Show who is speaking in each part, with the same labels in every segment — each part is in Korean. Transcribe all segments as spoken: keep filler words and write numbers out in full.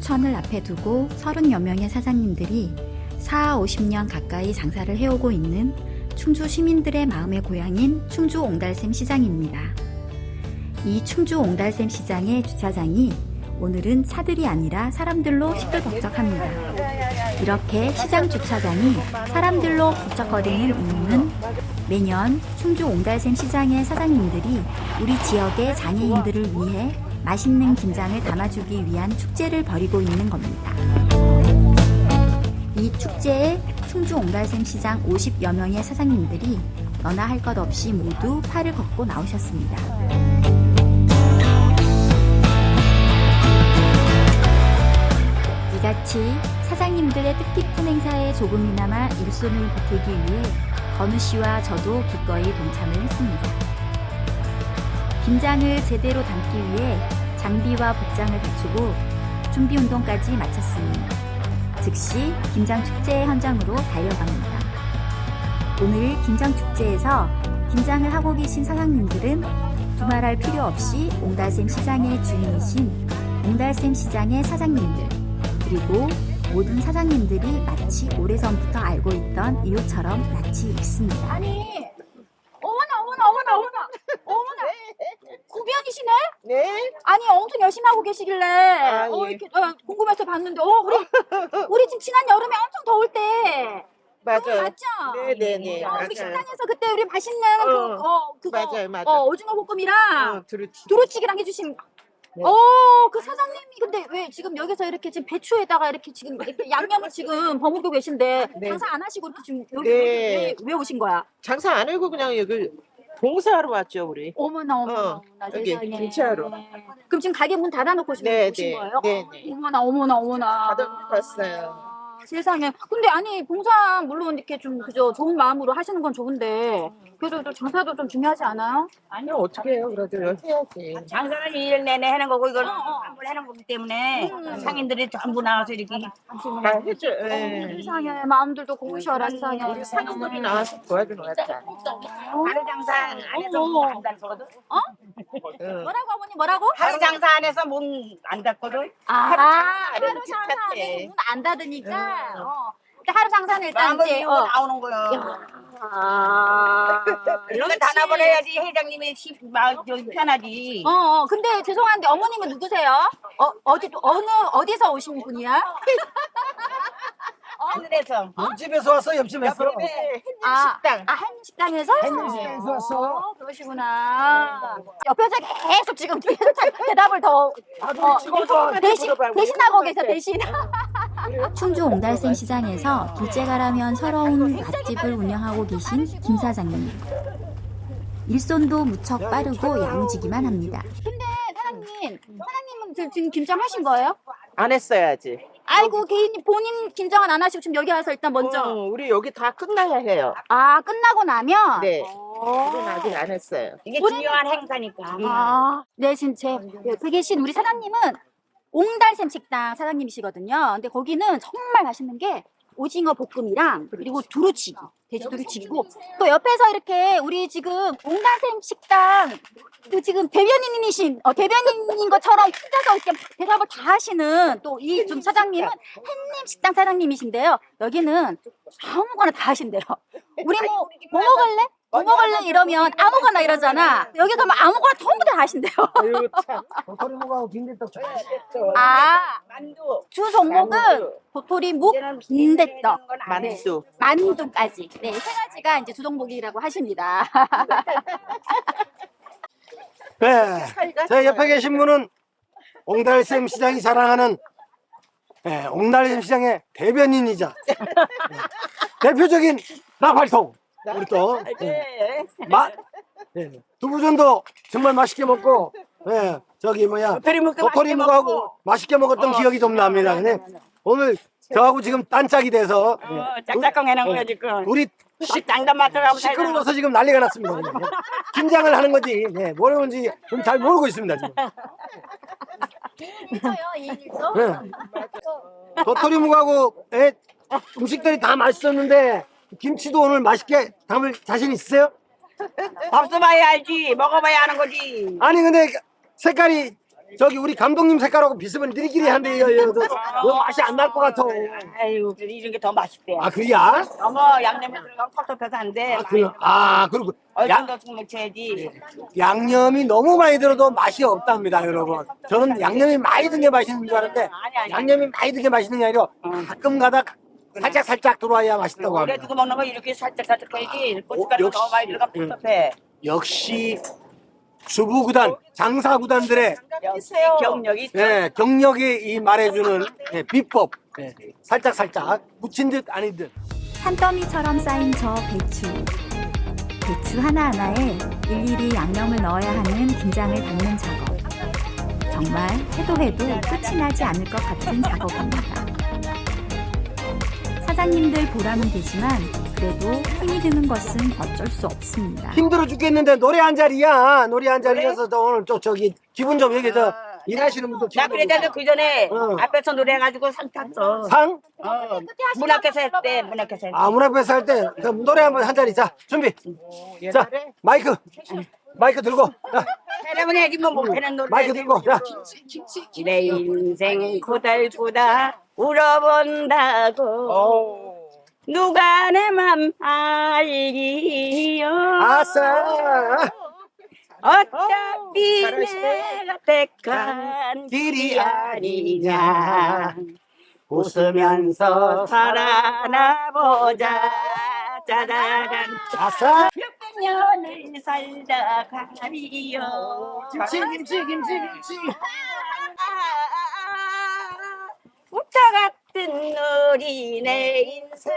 Speaker 1: 충주천을 앞에 두고 서른여 명의 사장님들이 사오십 년 가까이 장사를 해오고 있는 충주 시민들의 마음의 고향인 충주 옹달샘 시장입니다. 이 충주 옹달샘 시장의 주차장이 오늘은 차들이 아니라 사람들로 시끌벅적합니다. 이렇게 시장 주차장이 사람들로 북적거리는 이유는 매년 충주 옹달샘 시장의 사장님들이 우리 지역의 장애인들을 위해 맛있는 김장을 담아주기 위한 축제를 벌이고 있는 겁니다. 이 축제에 충주 옹달샘 시장 오십여 명의 사장님들이 너나 할 것 없이 모두 팔을 걷고 나오셨습니다. 이같이 사장님들의 뜻깊은 행사에 조금이나마 일손을 보태기 위해 건우 씨와 저도 기꺼이 동참을 했습니다. 김장을 제대로 담기 위해 장비와 복장을 갖추고 준비 운동까지 마쳤으니 즉시 김장축제 현장으로 달려갑니다. 오늘 김장축제에서 김장을 하고 계신 사장님들은 두말할 필요 없이 옹달샘 시장의 주인이신 옹달샘 시장의 사장님들, 그리고 모든 사장님들이 마치 오래전부터 알고 있던 이웃처럼 낯이 익습니다.
Speaker 2: 아니, 어머나, 어머나, 어머나, 어머나, 어머나, 구변이시네?
Speaker 3: 네.
Speaker 2: 아니, 엄청 열심히 하고 계시길래,
Speaker 3: 아,
Speaker 2: 어,
Speaker 3: 예.
Speaker 2: 이렇게, 어, 궁금해서 봤는데, 어, 우리, 우리 지금 지난 여름에 엄청 더울 때, 그거
Speaker 3: 맞아요.
Speaker 2: 맞죠?
Speaker 3: 네네네.
Speaker 2: 어,
Speaker 3: 맞아요.
Speaker 2: 우리 식당에서 그때 우리 맛있는 그,
Speaker 3: 어,
Speaker 2: 어, 그거,
Speaker 3: 맞아요, 맞아요.
Speaker 2: 어, 오징어 볶음이랑
Speaker 3: 어, 그렇지.
Speaker 2: 두루치기랑 해주신,
Speaker 3: 네.
Speaker 2: 어, 그 사장님이 근데 왜 지금 여기서 이렇게 지금 배추에다가 이렇게 지금 이렇게 양념을 지금 버무리고 계신데,
Speaker 3: 네.
Speaker 2: 장사 안 하시고 이렇게 지금 여기
Speaker 3: 네.
Speaker 2: 왜, 왜 오신 거야?
Speaker 3: 장사 안 하고 그냥 여기 봉사하러 왔죠, 우리.
Speaker 2: 어머나 어머나
Speaker 3: 어,
Speaker 2: 어머나
Speaker 3: 여기
Speaker 2: 세상에.
Speaker 3: 김치하러.
Speaker 2: 그럼 지금 가게 문 닫아놓고 지금
Speaker 3: 네,
Speaker 2: 오신
Speaker 3: 네,
Speaker 2: 거예요?
Speaker 3: 네, 네.
Speaker 2: 어머나 어머나 어머나.
Speaker 3: 닫아놓고 왔어요.
Speaker 2: 아, 세상에. 근데 아니 봉사 물론 이렇게 좀 그저 좋은 마음으로 하시는 건 좋은데 그래도 또 장사도 좀 중요하지 않아요?
Speaker 3: 아니, 어떻게 해요, 그래도 해야지.
Speaker 4: 장사는 일 년 내내 하는 거고 이거는
Speaker 2: 어, 어.
Speaker 4: 한번 해는 거기 때문에
Speaker 2: 음.
Speaker 4: 상인들이 전부 나와서 이렇게 하시는
Speaker 3: 다
Speaker 4: 거예요.
Speaker 3: 해줘. 예.
Speaker 2: 세상에 마음들도 고우셔라 세상에.
Speaker 3: 우리 상인들이 나와서 도와주는 것 같아.
Speaker 4: 하루 장사 안에서
Speaker 2: 어.
Speaker 4: 문안 닫거든.
Speaker 3: 응.
Speaker 2: 뭐라고 어머니 뭐라고?
Speaker 4: 하루 장사 안에서 문 안 닫거든.
Speaker 2: 아
Speaker 3: 하루
Speaker 2: 하루
Speaker 3: 장사는
Speaker 2: 장사
Speaker 3: 괜찮대.
Speaker 2: 문안 닫으니까.
Speaker 3: 응.
Speaker 2: 어. 근데 하루 장사는 일단
Speaker 4: 마음을
Speaker 2: 이제
Speaker 4: 비우고
Speaker 2: 어.
Speaker 4: 나오는 거야.
Speaker 2: 아.
Speaker 4: 이런 거 닫아버려야지 회장님이 시- 마음 저기 편하지.
Speaker 2: 어, 어, 근데 죄송한데 어머님은 누구세요? 어, 어디, 어느, 어디서 오신 분이야?
Speaker 4: 하늘에서.
Speaker 5: 옆집에서 왔어, 옆집에서.
Speaker 3: 옆에
Speaker 2: 아,
Speaker 3: 식당.
Speaker 2: 아, 한식당에서?
Speaker 5: 한식당에서 왔어.
Speaker 2: 어, 그러시구나. 옆에서 계속 지금 계속 자- 대답을 더, 어, 대신, 대신하고 계셔, 대신.
Speaker 1: 충주 옹달샘 시장에서 둘째가라면 서러운 맛집을 운영하고 계신 김 사장님. 일손도 무척 빠르고 야무지기만 합니다.
Speaker 2: 근데 사장님, 사장님은 지- 지금 김장하신 거예요?
Speaker 3: 안 했어야지.
Speaker 2: 아이고, 개인, 본인 김장은 안 하시고 지금 여기 와서 일단 먼저.
Speaker 3: 어, 우리 여기 다 끝나야 해요.
Speaker 2: 아, 끝나고 나면?
Speaker 3: 네.
Speaker 2: 어.
Speaker 3: 우리는 아직 안 했어요.
Speaker 4: 이게
Speaker 2: 우리는-
Speaker 4: 중요한 행사니까.
Speaker 2: 아, 네, 지금 제 옆에 계신 우리 사장님은 옹달샘 식당 사장님이시거든요. 근데 거기는 정말 맛있는 게 오징어 볶음이랑 그리고 두루치기, 돼지 두루치기고 또 옆에서 이렇게 우리 지금 옹달샘 식당 그 지금 대변인이신 어, 대변인인 것처럼 혼자서 이렇게 대답을 다 하시는 또 이 좀 사장님은 햇님 식당 사장님이신데요. 여기는 아무거나 다 하신대요. 우리 뭐, 뭐 먹을래? 뭐 먹을래? 이러면 아무거나 이러잖아. 여기 가면 아무거나 전부 다 하신대요.
Speaker 3: 아유, 참.
Speaker 5: 도토리묵하고 빈대떡 좋아.
Speaker 2: 아,
Speaker 4: 만두.
Speaker 2: 주 종목은 도토리 묵, 빈대떡,
Speaker 3: 만두.
Speaker 2: 만두까지. 네, 세 가지가 이제 주 종목이라고 하십니다.
Speaker 5: 네. 제 옆에 계신 분은 옹달샘 시장이 자랑하는 네, 옹달샘 시장의 대변인이자 네, 대표적인 나팔통. 우리 또 네, 마, 네, 두부전도 정말 맛있게 먹고 네, 저기 뭐야
Speaker 4: 도토리묵도
Speaker 5: 도토리묵하고 맛있게 먹었던 기억이 좀 납니다. 근데 오늘 저하고 지금 딴짝이 돼서 네,
Speaker 4: 어, 짝짝꿍 해놓은 거야 지금.
Speaker 5: 우리
Speaker 4: 시 장담 맡아가고
Speaker 5: 시끄러워서 지금 난리가 났습니다. 그냥. 김장을 하는 건지 네, 뭐라는지 좀 잘 모르고 있습니다. 지금.
Speaker 2: 이일조요, 이일조.
Speaker 5: 네. 도토리묵하고 예, 음식들이 다 맛있었는데 김치도 오늘 맛있게 담을 자신 있으세요?
Speaker 4: 밥 써봐야 알지. 먹어봐야 하는 거지.
Speaker 5: 아니 근데 색깔이 저기 우리 감독님 색깔하고 비슷하면 니리끼리 한데 이거 맛이 안 날 것 같아.
Speaker 4: 아유, 그래도 이런 게 더 맛있대.
Speaker 5: 아 그래야?
Speaker 4: 너무 양념이 들어가면 텁텁해서 안 돼.
Speaker 5: 아, 그, 아 그리고 양,
Speaker 4: 얼큰더 좀 묻혀야지.
Speaker 5: 양념이 너무 많이 들어도 맛이 없답니다, 여러분. 저는 양념이 많이 든 게 맛있는 줄 알았는데
Speaker 4: 아니, 아니.
Speaker 5: 양념이 많이 든 게 맛있는 게 아니라 가끔 가다 살짝 살짝 들어와야 맛있다고
Speaker 4: 오래
Speaker 5: 합니다.
Speaker 4: 두고 먹는 거 이렇게 살짝 살짝 해야지.
Speaker 5: 어,
Speaker 4: 고춧가루
Speaker 5: 역시.
Speaker 4: 너무 많이 들어가면
Speaker 5: 응.
Speaker 4: 텁텁해.
Speaker 5: 역시 주부구단, 장사구단들의
Speaker 4: 역시 경력이 있어.
Speaker 5: 예, 경력이 이 말해주는 예, 비법. 예, 살짝 살짝 묻힌 듯 아닌 듯.
Speaker 1: 산더미처럼 쌓인 저 배추. 배추 하나하나에 일일이 양념을 넣어야 하는 김장을 담는 작업. 정말 해도 해도 끝이 나지 않을 것 같은 작업입니다. 사장님들 보람은 되지만 그래도 힘이 드는 것은 어쩔 수 없습니다.
Speaker 5: 힘들어 죽겠는데 노래 한 자리야. 노래 한 자리여서 또 오늘 또 저기 기분 좀 여기 저 일하시는 분들
Speaker 4: 나
Speaker 5: 기분
Speaker 4: 그랬잖아 그 전에
Speaker 5: 응.
Speaker 4: 앞에서 노래해가지고 상 탔어.
Speaker 5: 상?
Speaker 4: 어, 문 앞에서 했대. 문 앞에서 했대.
Speaker 5: 아, 문 앞에서 할 때 그럼 노래 한번 한 자리. 자, 준비. 자, 마이크. 마이크 들고. 자,
Speaker 4: 사람은 해야지 뭐 못하는 노래.
Speaker 5: 마이크 들고. 자.
Speaker 4: 내 인생 고달구다 울어본다고 누가 내 맘 알기요.
Speaker 5: 아싸.
Speaker 4: 어차피 내가 택한 길이 아니냐. 웃으면서 살아나보자. 짜자잔.
Speaker 5: 아싸.
Speaker 4: 몇백 년을 살다 가리요.
Speaker 5: 김치, 김치, 김치, 김치.
Speaker 4: 우차 같은 우리 내 인생.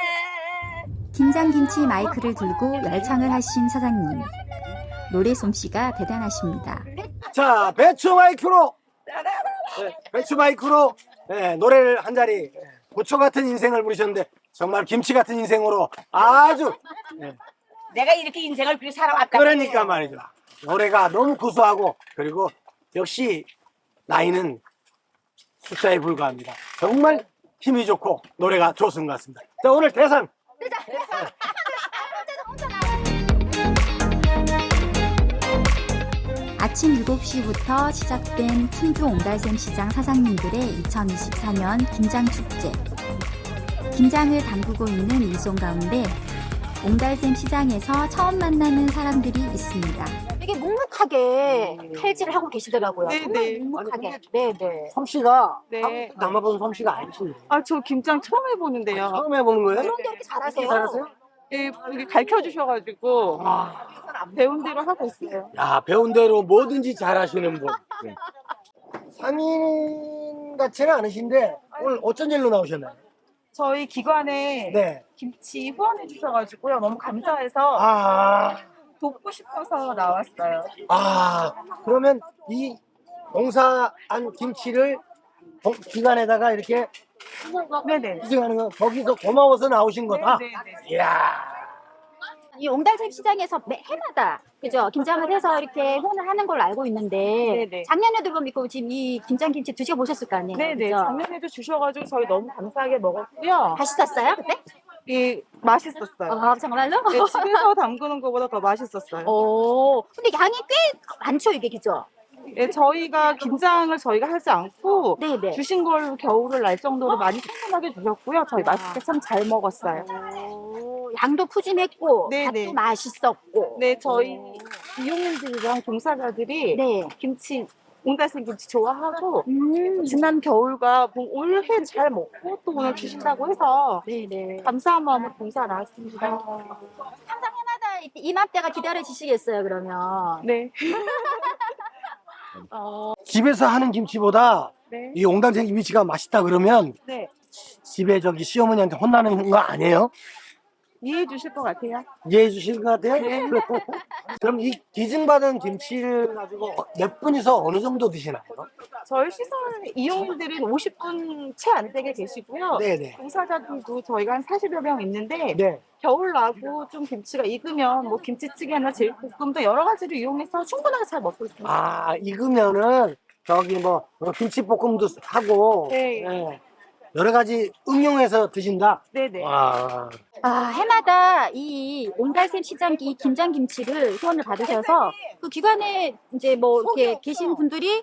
Speaker 1: 김장김치 마이크를 들고 열창을 하신 사장님. 노래 솜씨가 대단하십니다.
Speaker 5: 자, 배추 마이크로. 네, 배추 마이크로 네, 노래를 한 자리. 네, 고초 같은 인생을 부르셨는데 정말 김치 같은 인생으로 아주 네,
Speaker 4: 내가 이렇게 인생을 그렇게 살아왔다.
Speaker 5: 그러니까 말이죠. 노래가 너무 구수하고 그리고 역시 나이는 숫자에 불과합니다. 정말 힘이 좋고 노래가 좋은 것 같습니다. 자, 오늘 대상.
Speaker 1: 아침 일곱 시부터 시작된 충주 옹달샘 시장 사장님들의 이천이십사 년 김장축제. 김장을 담그고 있는 일손 가운데 옹달샘 시장에서 처음 만나는 사람들이 있습니다.
Speaker 2: 되게 묵묵하게 칼질을 하고 계시더라고요.
Speaker 6: 네,
Speaker 2: 정말
Speaker 6: 네.
Speaker 2: 묵묵하게. 네, 네.
Speaker 5: 솜씨가
Speaker 6: 네.
Speaker 5: 한 번도 남아본 솜씨가 아니신데
Speaker 6: 아, 저 김장 처음 해보는데요.
Speaker 5: 처음 해보는 거예요?
Speaker 2: 그런데 이렇게 잘하세요?
Speaker 5: 잘하세요?
Speaker 6: 예, 이게 가르쳐 주셔가지고
Speaker 5: 아,
Speaker 6: 배운 대로 하고 있어요.
Speaker 5: 야, 배운 대로 뭐든지 잘하시는 분. 네. 상인 같지는 않으신데 오늘 어쩐 일로 나오셨나요?
Speaker 6: 저희 기관에
Speaker 5: 네.
Speaker 6: 김치 후원해 주셔가지고요. 너무 감사해서
Speaker 5: 아,
Speaker 6: 돕고 싶어서 나왔어요.
Speaker 5: 아, 그러면 이 농사한 김치를 동- 기관에다가 이렇게
Speaker 6: 네네.
Speaker 5: 수정하는 거 거기서 고마워서 나오신 거다.
Speaker 6: 네네.
Speaker 5: 이야.
Speaker 2: 이 옹달샘 시장에서 매 해마다 그죠 김장을 해서 이렇게 후원을 하는 걸로 알고 있는데
Speaker 6: 네네.
Speaker 2: 작년에도 그럼 있고 지금 이 김장김치 드셔보셨을 거 아니에요?
Speaker 6: 네네.
Speaker 2: 그죠?
Speaker 6: 작년에도 주셔가지고 저희 너무 감사하게 먹었고요.
Speaker 2: 맛있었어요 그때?
Speaker 6: 이 맛있었어요.
Speaker 2: 아 정말로?
Speaker 6: 네, 집에서 담그는 것보다 더 맛있었어요.
Speaker 2: 오, 근데 양이 꽤 많죠 이게 그죠?
Speaker 6: 예, 저희가 김장을 저희가 하지 않고
Speaker 2: 네네.
Speaker 6: 주신 걸로 겨울을 날 정도로 많이 신선하게 주셨고요. 저희 맛있게 참 잘 먹었어요.
Speaker 2: 오, 양도 푸짐했고
Speaker 6: 네네.
Speaker 2: 밥도 맛있었고.
Speaker 6: 네, 저희 이용인들이랑 종사자들이
Speaker 2: 네.
Speaker 6: 김치, 옹달샘 김치 좋아하고
Speaker 2: 음.
Speaker 6: 지난 겨울과 뭐 올해 잘 먹고 또 오늘 주신다고 해서
Speaker 2: 네네.
Speaker 6: 감사한 마음으로 봉사 나왔습니다.
Speaker 2: 항상 해마다 이- 이맘때가 기다려지시겠어요 그러면.
Speaker 6: 네.
Speaker 5: 집에서 하는 김치보다
Speaker 6: 네.
Speaker 5: 이 옹달샘 김치가 맛있다 그러면
Speaker 6: 네.
Speaker 5: 집에 저기 시어머니한테 혼나는 거 아니에요?
Speaker 6: 이해해 주실 것 같아요.
Speaker 5: 이해해 주실 것 같아요?
Speaker 6: 네.
Speaker 5: 그럼 이 기증받은 김치를 가지고 몇 분이서 어느 정도 드시나요?
Speaker 6: 저희 시설 이용인들은 오십 분 채 안 되게 계시고요.
Speaker 5: 네네.
Speaker 6: 봉사자들도 저희가 한 사십여 명 있는데
Speaker 5: 네.
Speaker 6: 겨울 나고 좀 김치가 익으면 뭐 김치찌개나 제육볶음도 여러 가지를 이용해서 충분하게 잘 먹고 있습니다.
Speaker 5: 아, 익으면은 저기 뭐 어, 김치볶음도 하고
Speaker 6: 네.
Speaker 5: 네. 여러 가지 응용해서 드신다.
Speaker 6: 네네.
Speaker 5: 와.
Speaker 2: 아, 해마다 이 옹달샘 시장 이 김장김치를 후원을 받으셔서 그 기관에 이제 뭐 이렇게 계신 분들이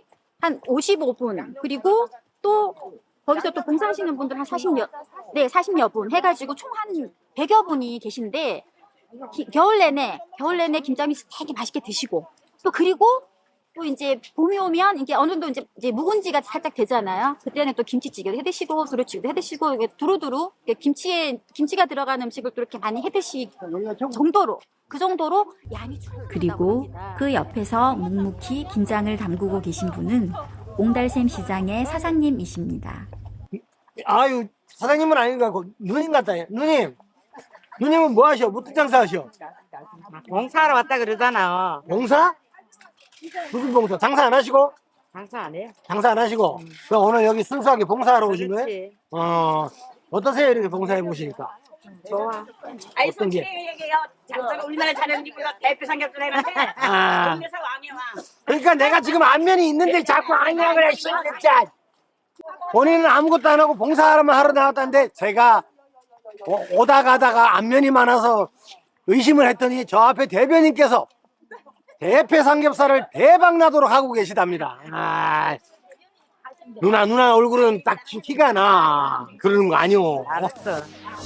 Speaker 2: 한 오십오 분, 그리고 또 거기서 또 봉사하시는 분들 한 사십여, 네, 사십여 분 해가지고 총 한 백여 분이 계신데, 기- 겨울 내내, 겨울 내내 김장김 되게 맛있게 드시고, 또 그리고 또 이제 봄이 오면 이게 어느 정도 이제, 이제 묵은지가 살짝 되잖아요. 그때는 또 김치찌개도 해 드시고, 두루치기도 해 드시고, 이게 두루두루 이게 김치에, 김치가 들어간 음식을 또 이렇게 많이 해 드시 정도로, 그 정도로 양이 충분하다고
Speaker 1: 그리고
Speaker 2: 합니다.
Speaker 1: 그 옆에서 묵묵히 김장을 담그고 계신 분은 옹달샘 시장의 사장님이십니다.
Speaker 5: 아유, 사장님은 아닌가, 그 누님 같다. 누님. 누님은 뭐 하셔? 무슨 장사 하셔?
Speaker 3: 봉사하러 왔다 그러잖아.
Speaker 5: 봉사? 무슨 봉사? 장사 안 하시고?
Speaker 3: 장사 안 해요.
Speaker 5: 장사 안 하시고? 그럼 오늘 여기 순수하게 봉사하러 오신 거예요?
Speaker 3: 그렇지.
Speaker 5: 어, 어떠세요? 이렇게 봉사해 보시니까?
Speaker 3: 좋아.
Speaker 4: 아이
Speaker 5: 어떤 게?
Speaker 4: 솔직히 얘기해요. 장사가 우리나라 잘하는 집보다 대표 삼겹살 해는데
Speaker 5: 아,
Speaker 4: 동네에서 왕이야 왕.
Speaker 5: 그러니까 내가 지금 안면이 있는데 자꾸 아니야 그래, 진짜. 본인은 아무것도 안 하고 봉사하러만 하러 나왔다는데 제가 오- 오다 가다가 안면이 많아서 의심을 했더니 저 앞에 대변인께서 대패 삼겹살을 대박 나도록 하고 계시답니다. 아, 누나 누나 얼굴은 딱 티가 나. 그러는 거 아니오.
Speaker 3: 알았어.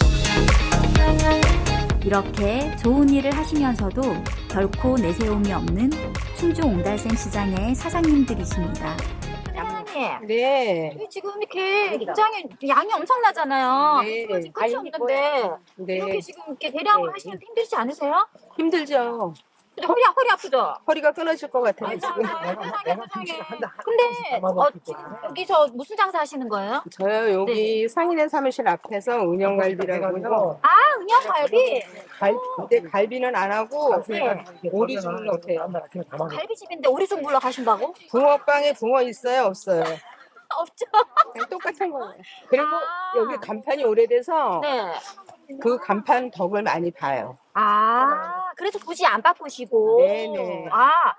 Speaker 1: 이렇게 좋은 일을 하시면서도 결코 내세움이 없는 충주 옹달샘 시장의 사장님들이십니다.
Speaker 2: 사장님,
Speaker 3: 네.
Speaker 2: 여기 지금 이렇게 김장이 양이 엄청나잖아요.
Speaker 3: 네.
Speaker 2: 지금 끝이 없는데 이렇게
Speaker 3: 네.
Speaker 2: 지금 이렇게 대량으로
Speaker 3: 네.
Speaker 2: 하시는데 힘들지 않으세요?
Speaker 3: 힘들죠.
Speaker 2: 근데 허리 허리 아프죠?
Speaker 3: 허리가 끊어질 것 같아요.
Speaker 2: 아이고,
Speaker 3: 지금.
Speaker 2: 세상에, 세상에. 근데 어, 지금 여기서 무슨 장사 하시는 거예요?
Speaker 3: 저요 여기 상인의 사무실 앞에서 운영갈비라고요.
Speaker 2: 아, 은영갈비.
Speaker 3: 갈, 근데 갈비는 안 하고
Speaker 2: 네.
Speaker 3: 오리죽을 넣대요.
Speaker 2: 갈비집인데 오리죽 물러 가신다고?
Speaker 3: 붕어빵에 붕어 있어요 없어요?
Speaker 2: 없죠.
Speaker 3: 그냥 똑같은 거예요. 그리고
Speaker 2: 아.
Speaker 3: 여기 간판이 오래돼서
Speaker 2: 네.
Speaker 3: 그 간판 덕을 많이 봐요.
Speaker 2: 아, 그래서 굳이 안 바꾸시고.
Speaker 3: 네네.
Speaker 2: 아,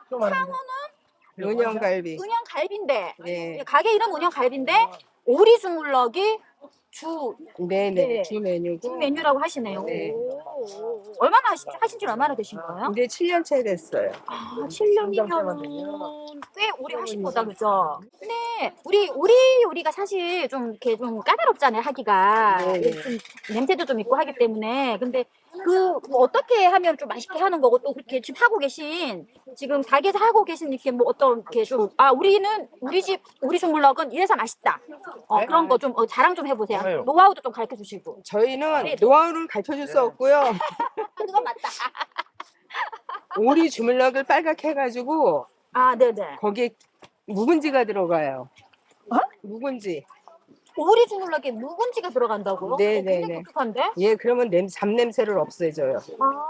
Speaker 3: 은영갈비.
Speaker 2: 은영갈비인데.
Speaker 3: 네.
Speaker 2: 가게 이름 은영갈비인데 오리죽 물러기 주,
Speaker 3: 네네.
Speaker 2: 네.
Speaker 3: 주 메뉴고.
Speaker 2: 주 메뉴라고 하시네요.
Speaker 3: 네.
Speaker 2: 오. 얼마나 하신, 하신 지 얼마나 되신 거예요?
Speaker 3: 이제 칠 년째 됐어요.
Speaker 2: 아, 칠 년이면 꽤 오래 하신 거다, 그죠? 근데 우리 우리 요리가 사실 좀 이렇게 좀 까다롭잖아요, 하기가.
Speaker 3: 네.
Speaker 2: 좀 냄새도 좀 있고 하기 때문에. 근데 그 뭐 어떻게 하면 좀 맛있게 하는 거고 또 그렇게 지금 하고 계신 지금 가게에서 하고 계신 이렇게 뭐 어떤 이렇게 좀 아 우리는 우리 집 우리 주물럭은 이래서 맛있다. 어, 그런 거 좀 어, 자랑 좀 해보세요. 노하우도 좀 가르쳐 주시고.
Speaker 3: 저희는
Speaker 2: 네.
Speaker 3: 노하우를 가르쳐 줄 수 없고요.
Speaker 2: 그건 맞다.
Speaker 3: 오리 주물럭을 빨갛게 해가지고
Speaker 2: 아, 네네.
Speaker 3: 거기에 묵은지가 들어가요.
Speaker 2: 어?
Speaker 3: 묵은지.
Speaker 2: 오리 주물럭에 묵은지가 들어간다고요?
Speaker 3: 네,
Speaker 2: 어, 굉장히
Speaker 3: 네, 네.
Speaker 2: 독특한데?
Speaker 3: 예, 그러면 냄, 잡냄새를 없애줘요.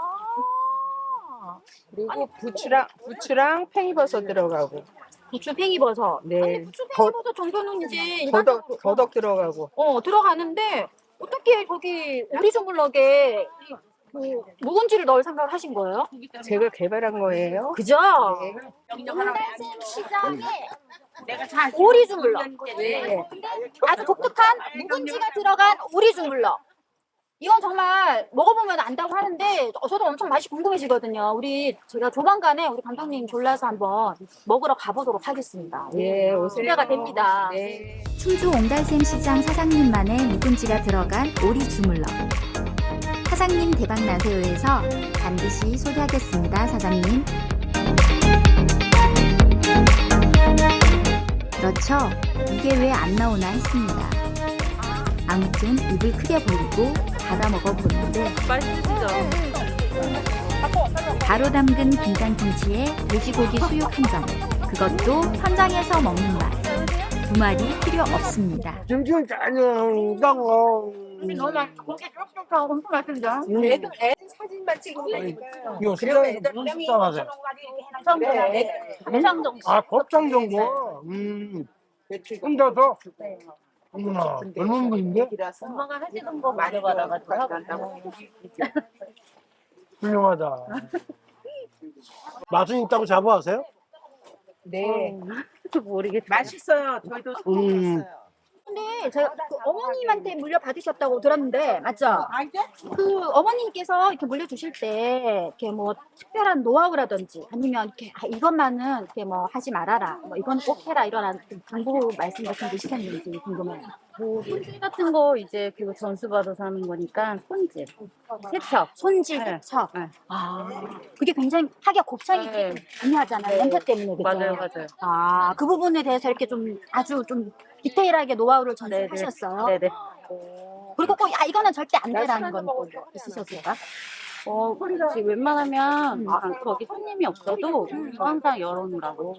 Speaker 2: 아.
Speaker 3: 그리고 부추랑 부추랑 팽이버섯 들어가고.
Speaker 2: 부추 팽이버섯.
Speaker 3: 네.
Speaker 2: 아니 부추
Speaker 3: 더-
Speaker 2: 팽이버섯 정도는 이제 일반적으로
Speaker 3: 더덕 더덕 들어가고.
Speaker 2: 어 들어가는데 어떻게 거기 오리 주물럭에 이- 그 묵은지를 넣을 생각을 하신 거예요?
Speaker 3: 제가 개발한 거예요.
Speaker 2: 그죠?
Speaker 3: 네.
Speaker 2: 옹달샘 시장에
Speaker 4: 내가 사
Speaker 2: 오리 주물럭.
Speaker 3: 네.
Speaker 2: 아주 독특한 묵은지가 들어간 오리 주물럭. 이건 정말 먹어보면 안다고 하는데 어, 저도 엄청 맛이 궁금해지거든요. 우리 제가 조만간에 우리 감독님 졸라서 한번 먹으러 가보도록 하겠습니다.
Speaker 3: 예, 오세요.
Speaker 2: 기대가 됩니다.
Speaker 3: 네.
Speaker 1: 충주 옹달샘 시장 사장님만의 묵은지가 들어간 오리 주물럭. 사장님 대박 나세요에서 반드시 소개하겠습니다, 사장님. 그렇죠. 이게 왜 안 나오나 했습니다. 아무튼 입을 크게 벌리고 받아 먹어보는데
Speaker 3: 맛있으시죠?
Speaker 1: 바로 담근 김장김치에 돼지고기 수육 한 점. 그것도 현장에서 먹는 맛. 두 마리 필요 없습니다.
Speaker 5: 김치는 짠짠하고.
Speaker 2: 너무 맛있어. 고기 쫄깃하고 엄청 맛있는데?
Speaker 3: 애들 애들 사진만 찍으면 되니까.
Speaker 5: 이거
Speaker 3: 그러면
Speaker 5: 시장에서
Speaker 3: 애들
Speaker 5: 무슨 식당 하세요?
Speaker 2: 네. 감상 정식.
Speaker 5: 아, 곱창 정도? 음, 혼자서? 어머나, 젊은 분인데?
Speaker 2: 엄마가 하시던 거 많이 받아가지고 하고.
Speaker 5: 훌륭하다. 맛은 있다고 자부하세요?
Speaker 3: 네.
Speaker 2: 모르겠어요.
Speaker 3: 맛있어요. 저희도
Speaker 5: 음.
Speaker 3: 먹었어요.
Speaker 2: 근데 제가 그 어머님한테 물려받으셨다고 들었는데 맞죠? 그 어머님께서 이렇게 물려주실 때 이렇게 뭐 특별한 노하우라든지 아니면 이렇게 아, 이것만은 이렇게 뭐 하지 말아라, 뭐 이건 꼭 해라 이런 정보 말씀 같은 게 있으셨는지 궁금해요.
Speaker 7: 뭐 손질 같은 거 이제 그 전수받아서 하는 거니까 손질, 세척.
Speaker 2: 손질,
Speaker 7: 네.
Speaker 2: 세척.
Speaker 7: 네.
Speaker 2: 아, 그게 굉장히 하기가 곱창이
Speaker 7: 네.
Speaker 2: 중요하잖아요. 냄새 때문에 그죠?
Speaker 7: 맞아요, 맞아요.
Speaker 2: 아, 그 부분에 대해서 이렇게 좀 아주 좀 디테일하게 노하우를
Speaker 7: 네네.
Speaker 2: 전수하셨어요.
Speaker 7: 네네.
Speaker 2: 그리고 꼭 아, 이거는 절대 안 되라는 건 또 있으셨을까?
Speaker 7: 어, 그렇지. 웬만하면 아, 거기 손님이 없어도 항상 열어놓으라고.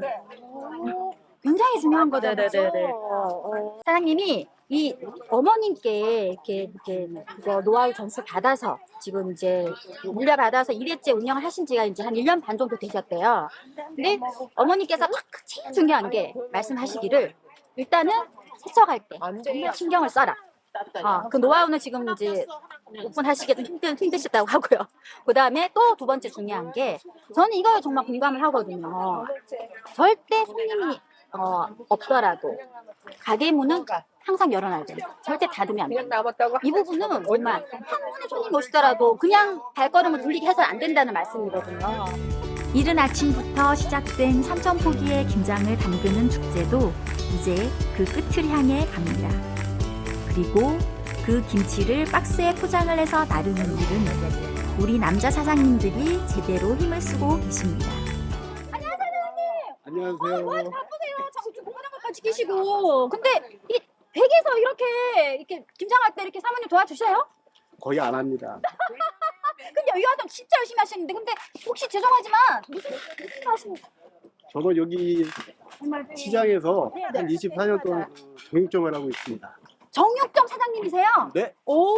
Speaker 2: 굉장히 중요한 거죠.
Speaker 7: 네네네네.
Speaker 2: 그죠? 어, 사장님이 이 어머님께 이렇게 이렇게 그거 노하우 전수 받아서 지금 이제 물려받아서 일 회째 운영을 하신 지가 이제 한 일 년 반 정도 되셨대요. 근데 어머니께서 딱 제일 중요한 게 말씀하시기를 일단은 세척할 때 정말 신경을 써라. 어, 그 노하우는 지금 이제 오픈하시기 좀 힘든, 힘드셨다고 하고요. 그 다음에 또 두 번째 중요한 게 저는 이거에 정말 공감을 하거든요. 절대 손님이 어, 없더라도 가게 문은 항상 열어놔야 돼요. 절대 닫으면 안 돼요. 이 부분은 정말 한 분의 손님 오시더라도 그냥 발걸음을 돌리게 해서는 안 된다는 말씀이거든요.
Speaker 1: 이른 아침부터 시작된 삼천포기의 김장을 담그는 축제도 이제 그 끝을 향해 갑니다. 그리고 그 김치를 박스에 포장을 해서 나르는 일은 우리 남자 사장님들이 제대로 힘을 쓰고 계십니다.
Speaker 5: 안녕하세요.
Speaker 2: 바쁘세요. 자꾸 좀 공부하는 것까지 계시고. 근데 이 댁에서 이렇게 이렇게 김장할 때 이렇게 사모님 도와주셔요?
Speaker 5: 거의 안 합니다.
Speaker 2: 근데 여기 와서 진짜 열심히 하시는데 근데 혹시 죄송하지만 무슨 무슨 하시는
Speaker 5: 저도 여기 시장에서
Speaker 2: 네,
Speaker 5: 한
Speaker 2: 네.
Speaker 5: 이십사 년 동안 정육점을 하고 있습니다.
Speaker 2: 정육점 사장님이세요?
Speaker 5: 네.
Speaker 2: 오.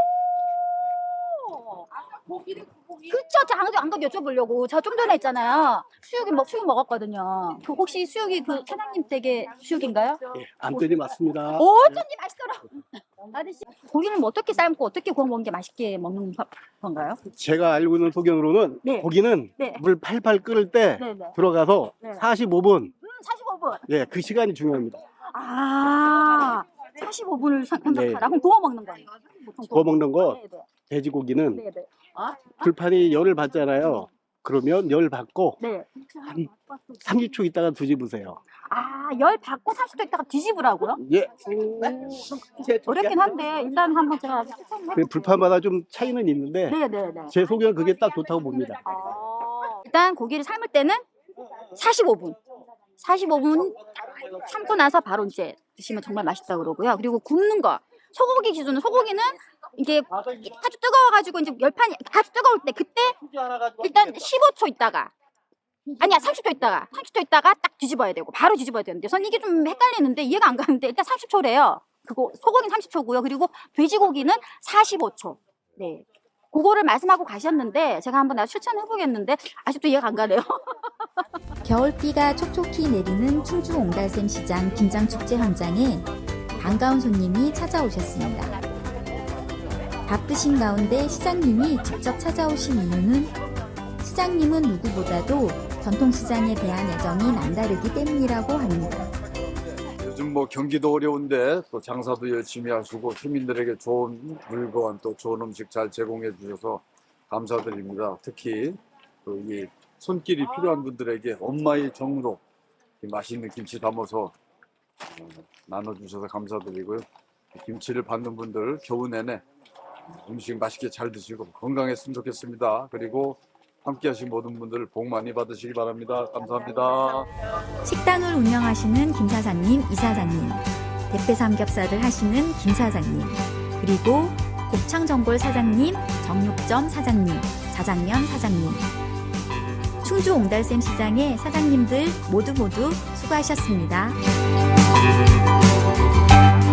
Speaker 2: 그쵸, 저 안, 안 그래도 여쭤보려고. 저 좀 전에 했잖아요. 수육이 먹, 수육 먹었거든요. 그 혹시 수육이 그 사장님 댁의 수육인가요?
Speaker 5: 예, 안뜰이 맞습니다.
Speaker 2: 오, 어쩐지 맛있더라고. 아저씨, 고기는 뭐 어떻게 삶고 어떻게 구워 먹는 게 맛있게 먹는 거- 건가요?
Speaker 5: 제가 알고 있는 소견으로는
Speaker 2: 네.
Speaker 5: 고기는
Speaker 2: 네.
Speaker 5: 물 팔팔 끓을 때
Speaker 2: 네네.
Speaker 5: 들어가서
Speaker 2: 네.
Speaker 5: 사십오 분,
Speaker 2: 음, 사십오 분.
Speaker 5: 예, 그 시간이 중요합니다.
Speaker 2: 아, 사십오 분을 생각하라.
Speaker 5: 네.
Speaker 2: 그럼 구워 먹는 거예요? 보통
Speaker 5: 구워 먹는 거
Speaker 2: 네네.
Speaker 5: 돼지고기는
Speaker 2: 네네.
Speaker 5: 불판이 열을 받잖아요. 그러면 열 받고
Speaker 2: 네.
Speaker 5: 한 삼십 초 있다가 뒤집으세요.
Speaker 2: 아, 열 받고 삼십 도 있다가 뒤집으라고요?
Speaker 5: 예,
Speaker 2: 어렵긴 한데 일단 한번 제가 추천을
Speaker 5: 그
Speaker 2: 해볼게요.
Speaker 5: 불판마다 좀 차이는 있는데
Speaker 2: 네네네.
Speaker 5: 제 소견은 그게 딱 좋다고 봅니다.
Speaker 2: 아, 일단 고기를 삶을 때는 사십오 분. 사십오 분 삶고 나서 바로 이제 드시면 정말 맛있다고 그러고요. 그리고 굽는 거. 소고기 기준은 소고기는 이게 아주 뜨거워가지고 이제 열판이 아주 뜨거울 때 그때 일단 십오 초 있다가 아니야 삼십 초 있다가 삼십 초 있다가 딱 뒤집어야 되고 바로 뒤집어야 되는데 전 이게 좀 헷갈리는데 이해가 안 가는데 일단 삼십 초래요. 그거 소고기는 삼십 초고요. 그리고 돼지고기는 사십오 초. 네. 그거를 말씀하고 가셨는데 제가 한번 나 추천해 보겠는데 아직도 이해가 안 가네요.
Speaker 1: 겨울비가 촉촉히 내리는 충주 옹달샘 시장 김장축제 현장에 반가운 손님이 찾아오셨습니다. 바쁘신 가운데 시장님이 직접 찾아오신 이유는 시장님은 누구보다도 전통시장에 대한 애정이 남다르기 때문이라고 합니다.
Speaker 8: 요즘 뭐 경기도 어려운데 또 장사도 열심히 하시고 시민들에게 좋은 물건 또 좋은 음식 잘 제공해 주셔서 감사드립니다. 특히 그 이 손길이 필요한 분들에게 엄마의 정으로 이 맛있는 김치 담아서 어, 나눠주셔서 감사드리고요. 김치를 받는 분들 겨우 내내 음식 맛있게 잘 드시고 건강했으면 좋겠습니다. 그리고 함께 하신 모든 분들 복 많이 받으시기 바랍니다. 감사합니다.
Speaker 1: 식당을 운영하시는 김 사장님, 이 사장님, 대패 삼겹살을 하시는 김 사장님, 그리고 곱창전골 사장님, 정육점 사장님, 자장면 사장님, 충주 옹달샘 시장의 사장님들 모두 모두 수고하셨습니다.